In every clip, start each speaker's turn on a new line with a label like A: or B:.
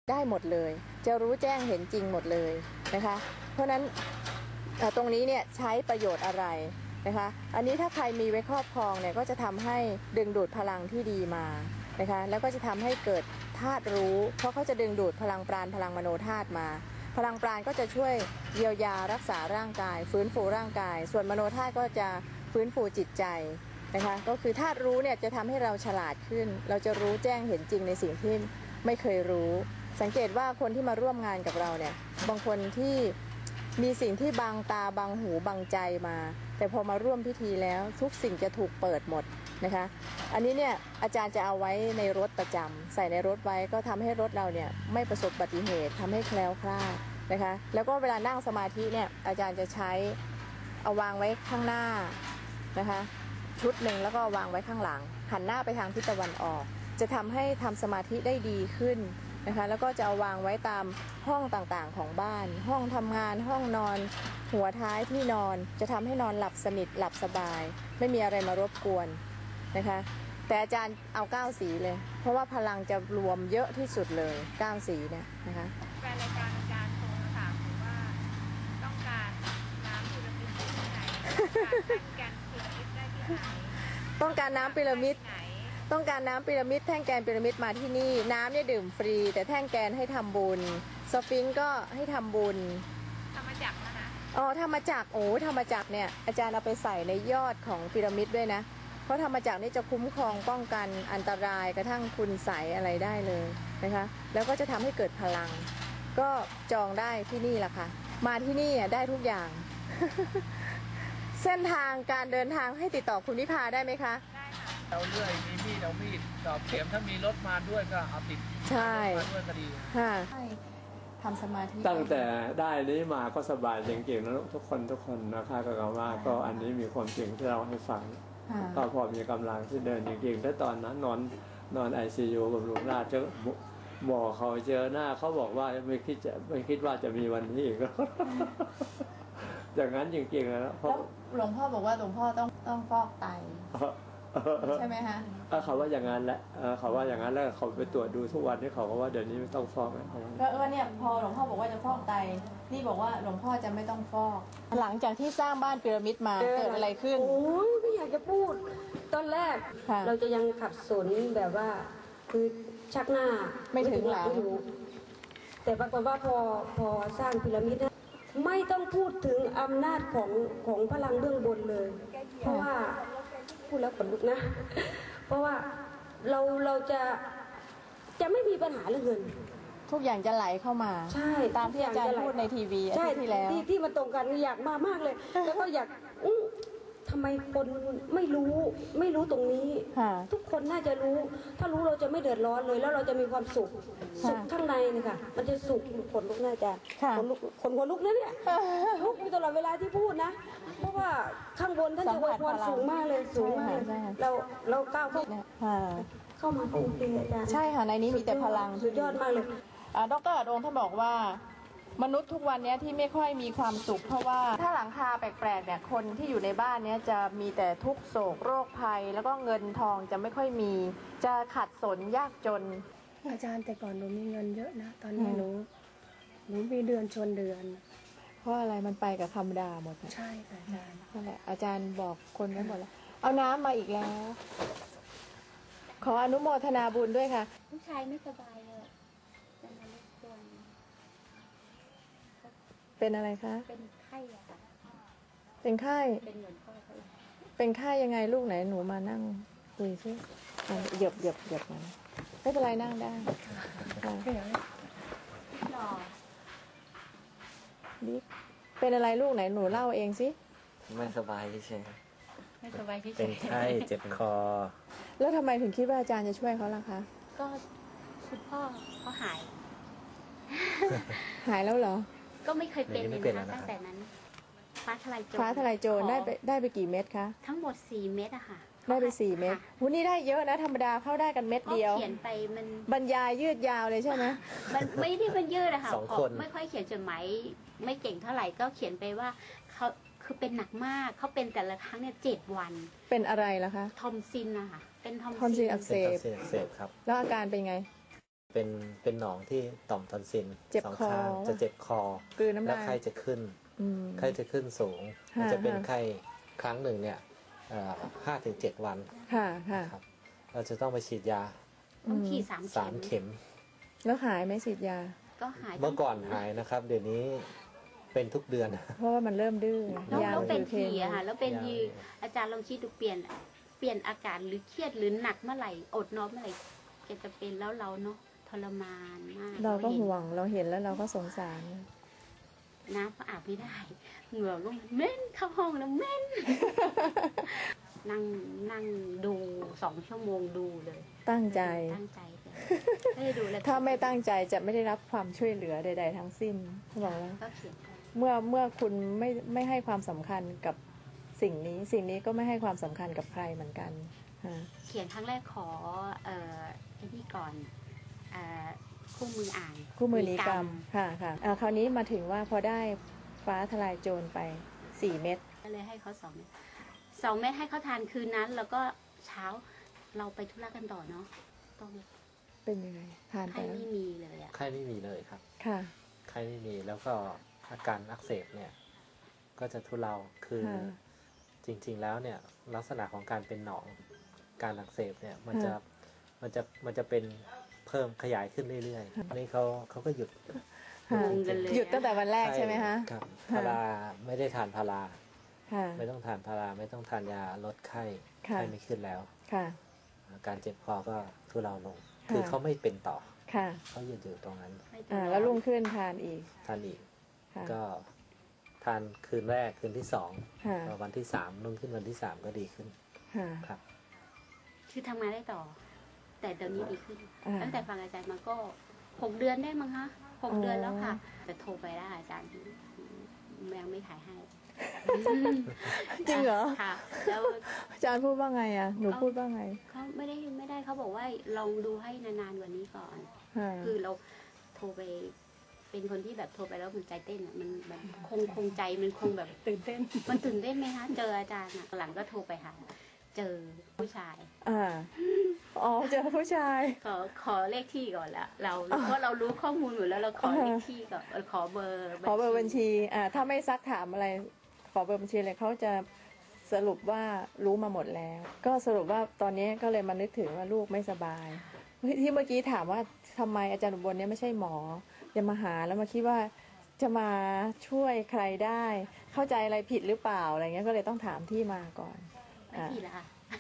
A: ได้หมดเลยจะรู้แจ้งเห็นจริงหมดเลยนะคะเพราะนั้นตรงนี้เนี่ยใช้ประโยชน์อะไรนะคะอันนี้ถ้าใครมีไว้ครอบครองเนี่ยก็จะทำให้ดึงดูดพลังที่ดีมานะคะแล้วก็จะทำให้เกิดธาตุรู้เพราะเขาจะดึงดูดพลังปราณพลังมโนธาตุมาพลังปราณก็จะช่วยเยียวยารักษาร่างกายฟื้นฟูร่างกายส่วนมโนธาตุก็จะฟื้นฟูจิตใจนะคะก็คือธาตุรู้เนี่ยจะทำให้เราฉลาดขึ้นเราจะรู้แจ้งเห็นจริงในสิ่งที่ไม่เคยรู้สังเกตว่าคนที่มาร่วมงานกับเราเนี่ยบางคนที่มีสิ่งที่บังตาบังหูบังใจมาแต่พอมาร่วมพิธีแล้วทุกสิ่งจะถูกเปิดหมดนะคะอันนี้เนี่ยอาจารย์จะเอาไว้ในรถประจำใส่ในรถไว้ก็ทำให้รถเราเนี่ยไม่ประสบอุบัติเหตุทำให้แคล้วคลาดนะคะแล้วก็เวลานั่งสมาธิเนี่ยอาจารย์จะใช้เอาวางไว้ข้างหน้านะคะชุดหนึ่งแล้วก็วางไว้ข้างหลังหันหน้าไปทางทิศตะวันออกจะทำให้ทำสมาธิได้ดีขึ้นนะคะแล้วก็จะเอาวางไว้ตามห้องต่างๆของบ้านห้องทำงานห้องนอนหัวท้ายที่นอนจะทำให้นอนหลับสนิทหลับสบายไม่มีอะไรมารบกวนนะคะแต่อาจารย์เอา9สีเลยเพราะว่าพลังจะรวมเยอะที่สุดเลย9สีเนี่ยนะคะ
B: แฟนรายการอาจารย์โทรมาถามผมว่าต้องการน้ำพีระมิดที่ไหนต้องการแท่งแกนพีระมิดได้ที่ไหน
A: ต้องการน้ำพีระมิดแท่งแกนพีระมิดมาที่นี่น้ำเนี่ยดื่มฟรีแต่แท่งแกนให้ทำบุญสฟิงค์ก็ให้ทำบุญ
B: ทำมาจากนะ
A: อ๋อทำมาจากทำมาจากเนี่ยอาจารย์เอาไปใส่ในยอดของพีระมิดด้วยนะเพราะทำมาจากนี่จะคุ้มครองป้องกันอันตรายกระทั่งคุณใสอะไรได้เลยนะคะแล้วก็จะทำให้เกิดพลังก็จองได้ที่นี่แหละค่ะมาที่นี่ได้ทุกอย่าง เส้นทางการเดินทางให้ติดต่อคุณวิภาได้ไหมคะ
C: เอาเลื่อยมีมีดเอามีดตอกเข็มถ้ามีรถมาด้วยก็เอาติด
A: ใช่
C: มาด้วยก็ดี
A: ค่ะทำสมาธิ
D: ตั้งแต่ได้นี้มาก็สบายจริงๆนะทุกคนนะคะก็กล่าวว่าก็อันนี้มีความจริงที่เราให้ฟังก็พอมีกำลังที่เดินจริงๆแต่ตอนนั้นนอนICUกับลุงราชเจอหมอเขาเจอหน้าเขาบอกว่าไม่คิดว่าจะมีวันนี้อีกอย่างนั้นจริงๆแล้ว
A: หลวงพ่อบอกว่าหลวงพ่อต้องฟอกไตใช่ไหมคะ
D: เขาว่าอย่างนั้นแหละเขาว่าอย่างนั้นแล้วเขาไปตรวจดูทุกวันที่เขาก็ว่าเดี๋ยวนี้ไม่ต้องฟอกแล้ว
A: ก็เนี่ยพอหลวงพ่อบอกว่าจะฟอกไตนี่บอกว่าหลวงพ่อจะไม่ต้องฟอกหลังจากที่สร้างบ้านพีระมิดมาเกิดอะไรขึ้น
E: โอ้ยไม่อยากจะพูดตอนแรกเราจะยังขัดสนแบบว่าคือชักหน้า
A: ไม่ถึงหลัง
E: แต่ปรากฏว่าพอสร้างพีระมิดไม่ต้องพูดถึงอำนาจของพลังเบื้องบนเลยเพราะว่าพูดแล้วขนลุกนะเพราะว่าเราจะไม่มีปัญหาเรื่องเงิน
A: ทุกอย่างจะไหลเข้ามา
E: ใช่
A: ตามที่อาจารย์พูดในทีวีอาทิตย์ที่แล้ว
E: ที่มันตรงกันอยากมากเลยแล้วก็อยากทำไมคนไม่รู้ตรงนี้ทุกคนน่าจะรู้ถ้ารู้เราจะไม่เดือดร้อนเลยแล้วเราจะมีความสุขข้างในนี่ค่ะมันจะสุขขนลุกน่าจะขนลุกนะเนี่ยลุกอยู่ตลอดเวลาที่พูดนะเพราะว่าข้างบนท่านจะอวยพรสูงมากเลยสูงมากเราก้าวเข้ามาเป็นจริงอาจารย์
A: ใช่ค่ะในนี้มีแต่พลัง
E: สุดยอดมากเลย
A: ดร.อดงท่านบอกว่ามนุษย์ทุกวันนี้ที่ไม่ค่อยมีความสุขเพราะว่าถ้าหลังคาแปลกๆเนี่ยคนที่อยู่ในบ้านเนี้ยจะมีแต่ทุกโศกโรคภัยแล้วก็เงินทองจะไม่ค่อยมีจะขัดสนยากจน
F: อาจารย์แต่ก่อนหนูมีเงินเยอะนะตอนนี้หนูมีเดือนชนเดือน
A: เพราะอะไรมันไปกับธรรมดาหมด
F: ใช่ค่ะอาจารย์
A: นั่นแหละอาจารย์บอกคนไว้หมดแล้วเอาน้ำมาอีกแล้วขออนุโมทนาบุญด้วยค่ะ
B: ลูกชายไม่สบายเลยจะมาลูกตัว
A: เป็นอะไรคะ
B: เป็นไข้อะค่ะ
A: เป็นไข้
B: เป็นเหมือนพ่อเขา
A: เป็นไข้ยังไงลูกไหนหนูมานั่งคุยซิเหยียบมันไม่เป็นไรนั่งได้บิ๊กเป็นอะไรลูกไหนหนูเล่าเองสิ
G: ไม่สบายเฉย
B: ไม่สบายเฉย
G: เป็นไข้เจ็บคอ
A: แล้วทำไมถึงคิดว่าอาจารย์จะช่วยเขาล่ะคะ
B: ก็คุณพ่อเขาห
A: ายแล้วเหรอ
B: ก็ไม่เคยเป็นเลยนะตั้งแต่นั้นฟ้าทลายโจร
A: ได้ไปกี่เม็ดคะ
B: ทั้งหมด4 เม็ดอะค่ะ
A: ได้ไป4 เม็ดวันนี้ได้เยอะนะธรรมดาเข้าได้กันเม็ดเดียว
B: เขียนไปมัน
A: บรรยายยืดยาวเลยใช่ไหม
B: มันไม่ได้บรรยืดอะค่ะไม่ค่อยเขียนจดหมายไม่เก่งเท่าไหร่ก็เขียนไปว่าเขาคือเป็นหนักมากเขาเป็นแต่ละครั้งเนี่ย7 วัน
A: เป็นอะไรล่ะคะ
B: ทอมซินนะคะเป็นทอม
A: ซินอักเสบ
G: ครับ
A: แล้วอาการเป็นไง
G: เป็นหนองที่ต่อมทอนซิล
A: เจ็บ
G: สอง
A: คอ
G: ข้างจะเจ็บคอก
A: ลืนน้ำ
G: และ
A: ลาย
G: ไข้จะขึ้น
A: อืม
G: ไข้จะขึ้นสูง
A: ค่ะ
G: มันจะเป็น
A: ค่ะ
G: ไข้ครั้งหนึ่งเนี่ย5 ถึง 7 วัน
A: ค่ะค่ะ
G: ครับเราจะต้องไปฉีดยา
B: ต้องฉีด
G: 3
B: 3
G: เข็ม
A: แล้วหายไหมฉีดยา
B: ก็หาย
G: เมื่อก่อนหายนะครับ เดี๋ยวนี้เป็นทุกเดือน
A: เพราะว่ามันเริ่มดื้อ
B: แล้ว
A: ยา
B: แล้วเป็น
A: คือ
B: ทีอะค่ะแล้วเป็น
G: ยา
B: ทีอาจารย์ลองคิดดูเปลี่ยนอาการหรือเครียดหรือหนักเมื่อไหร่อดนอนเมื่อไหร่แกจะเป็นแล้วเราเนาะทรมานมาก
A: เราก็
B: ห็น
A: ห่วงเราเห็นแล้วเราก็สงสาร
B: น้ำก็อาบไม่ได้เหงื่อก็เหม็นเข้าห้องแล้วเหม็น นั่งดู2 ชั่วโมงดูเลย
A: ตั้งใจ
B: ตั้งใจเลยไม่ได้ดูเลย
A: ถ้าไม่ตั้งใจจะไม่ได้รับความช่วยเหลือใด ๆ ทั้งสิ้นเขาบอกว่า
B: ก็เขียนไป
A: เมื่อคุณไม่ให้ความสำคัญกับสิ่งนี้ก็ไม่ให้ความสำคัญกับใครเหมือนกันค่ะ
B: เขียนครั้งแรกขอไอ้นี่ก่อนคู่มืออ่าน
A: คู่มือนิกรรมค่ะค่ะคราวนี้มาถึงว่าพอได้ฟ้าทลายโจรไป4 เม็ด
B: ก็เลยให้เขา2 เม็ด2 เม็ดให้เขาทานคืนนั้น แล้วก็เช้าเราไปธุระกันต่อเนาะต้อง
A: เป็นยังไงทานไป
B: ให้
A: แล้ว
B: ไม่มีเลยอะ
G: ไข้ไม่มีเลยครับ
A: ค่ะ
G: ไข้ไม่มีแล้วก็อาการอักเสบเนี่ยก็จะทุเลาคือ
A: ค่ะ
G: จริงๆแล้วเนี่ยลักษณะของการเป็นหนองการอักเสบเนี่ยมันจะ
A: ค่ะ
G: มันจะเป็นเพิ่มขยายขึ้นเรื่อยๆนี่เขาก็หยุด
A: ค่ะ
B: งงกันเลย
A: หยุดตั้งแต่วันแรกใช่ไหมคะ
G: ครับ
A: ค่ะ
G: พาราไม่ได้ทานพารา
A: ค่ะ
G: ไม่ต้องทานพาราไม่ต้องทานยาลดไข้
A: ค่ะ
G: ไข้ไม่ขึ้นแล้ว
A: ค่ะ
G: การเจ็บคอก็ทุเลาลง
A: ค่ะ
G: คือเขาไม่เป็นต่อ
A: ค่ะ
G: เขาหยุดอยู่ตรงนั้น
B: ให้ตัว
A: แล้วรุ่งขึ้นทานอีก
G: ทานอีก
A: ค่ะ
G: ก็ทานคืนแรกคืนที่2
A: ค่ะ
G: พอวันที่3รุ่งขึ้นวันที่3ก็ดีขึ้น
A: ค่ะ
G: ครับ
B: คือทำงานได้ต่อ แต่เดี๋ยวนี้ดีขึ้น
A: อ่า
B: ตั้งแต่ฟังอาจารย์มาก็6 เดือนได้มั้งคะ6 เดือนแล้วค่ะ แต่โทรไปได้อาจารย์ยังไม่ขายให้
A: จริงเหรอ
B: ค่ะ แล้ว
A: อาจารย์พูดว่าไงอ่ะหนูพูดว่าไง
B: เขาไม่ได้เขาบอกว่าลองดูให้นานๆกว่านี้ก่อน
A: ค่ะ
B: คือเราโทรไป เป็นคนที่แบบโทรไปแล้วมันใจเต้นอ่ะมันแบบคงใจมันคงแบบ
F: ตื่นเต้น
B: มันตื่นเต้นไหมคะเจออาจารย์อ่ะหลังก็โทรไปหาเจอผู้ชาย
A: อ๋อเจอผู้ชาย
B: ขอเลขที่ก่อนละเราเพราะเรารู้ข้อมูลหมดแล้วเราขอเลขที่ก่อนขอเบอร์
A: ขอเบอร์บัญชีถ้าไม่ซักถามอะไรขอเบอร์บัญชีเลยเขาจะสรุปว่ารู้มาหมดแล้ว ก็สรุปว่าตอนนี้ก็เลยมานึกถึงว่าลูกไม่สบายที่เมื่อกี้ถามว่าทำไมอาจารย์อุบลเนี่ยไม่ใช่หมอจะมาหาแล้วมาคิดว่าจะมาช่วยใครได้ เข้าใจอะไรผิดหรือเปล่าอะไรเงี้ยก็เลยต้องถามที่มาก่อน
B: ไม่ผิดละค่ะ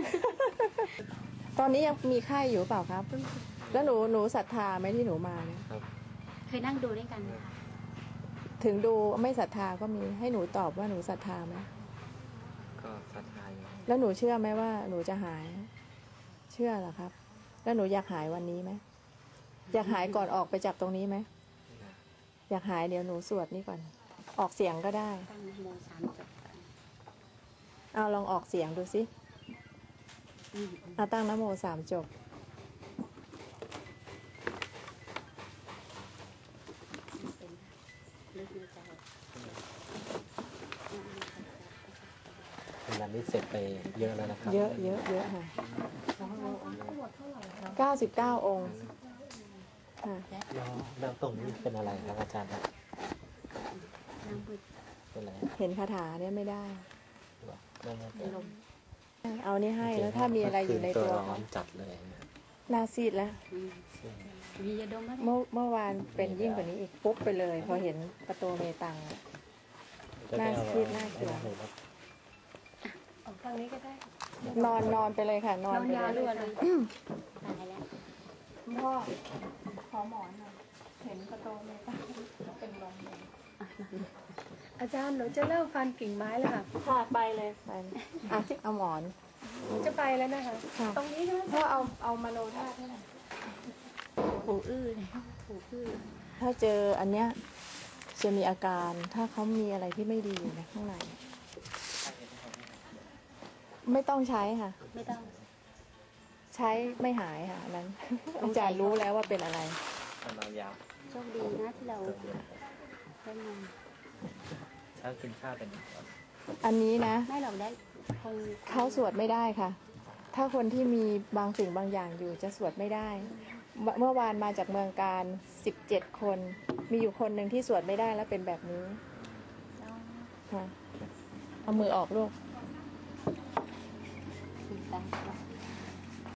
A: ตอนนี้ยังมีไข้อยู่เปล่าครับ แล้วหนูศรัทธาไหมที่หนูมาเนี่ย
B: เคยนั่งดูด้วยกันไหมคะ
A: ถึงดูไม่ศรัทธาก็มีให้หนูตอบว่าหนูศรัทธาไหม
G: ก็ศรัทธาอยู่
A: แล้วหนูเชื่อไหมว่าหนูจะหาย เชื่อเหรอครับ แล้วหนูอยากหายวันนี้ไหมอยากหายก่อนออกไปจากตรงนี้ไหมอยากหายเดี๋ยวหนูสวดนี่ก่อน ออกเสียงก็ได้
B: ตั้งโม3 จบก่อน
A: เอาลองออกเสียงดูสิ
B: อืม
A: เอาตั้งนะโม3 จบ
B: เป็นลึกในใจ
G: งานนี้เสร็จไปเยอะแล้วนะครับ
A: เยอะค่ะ99 องค์ค่ะ
G: แล้วตรงนี้เป็นอะไรครับอาจารย์ครับ
B: น้ำมืด
G: เป็นอะไร
A: เห็นคาถาเนี่ยไม่ได้
G: ไม่ไม่
B: เป็นลม
A: เอานี่ให้แล้วถ้ามีอะไรอยู่ในตัว
G: ร้อ
A: เขา
G: นจัดเลยนะ
A: หนาซีดแล้ว
B: อืมมียาดมไหม
A: เมื่อวานเป็นยิ่งกว่านี้อีกปุ๊บไปเลย พอเห็นประตูเมตังอะ น่าคิดน่าเกลียด
F: ออกทางนี้ก็ได้
A: นอนไปเลยค่ะ นอนไป
F: ยาว
A: เล
F: ด้
A: ย
F: วยนะ
B: ตายแล้ว
A: พ่อขอหมอนหน่อยเห็นประตูเมตังเป็นลมเลย
F: อาจารย์หนูจะเริ่มฟันกิ่งไม้แล้วค่ะ
A: ค่ะไปเลยไปเลยเอาหมอน
F: หนูจะไปแล้วนะคะ
A: ค่ะ
F: ตรงนี้ใช่ไหม
A: พ่อเอามโนธาตุให้หน่อย
B: หูอื้อเลยหูอื้อ
A: ถ้าเจออันเนี้ยจะมีอาการถ้าเขามีอะไรที่ไม่ดีอยู่ในข้างในไม่ต้องใช้ค่ะ
B: ไม่ต้อง
A: ใช้ไม่หายค่ะอันนั้น อาจารย์รู้แล้วว่าเป็นอะไร
G: ทำนอนยาว
B: โชคดีนะที่เราได้มา
G: เช้ากินข้าวเป็น
A: อันนี้นะ
B: ไม่หรอกได้คง
A: เขาสวดไม่ได้ค่ะ ถ้าคนที่มีบางสิ่งบางอย่างอยู่จะสวดไม่ได้เมื่อวานมาจากเมืองการ17 คน มีอยู่คนหนึ่งที่สวดไม่ได้แล้วเป็นแบบนี้ค่ะเอามือออกลูก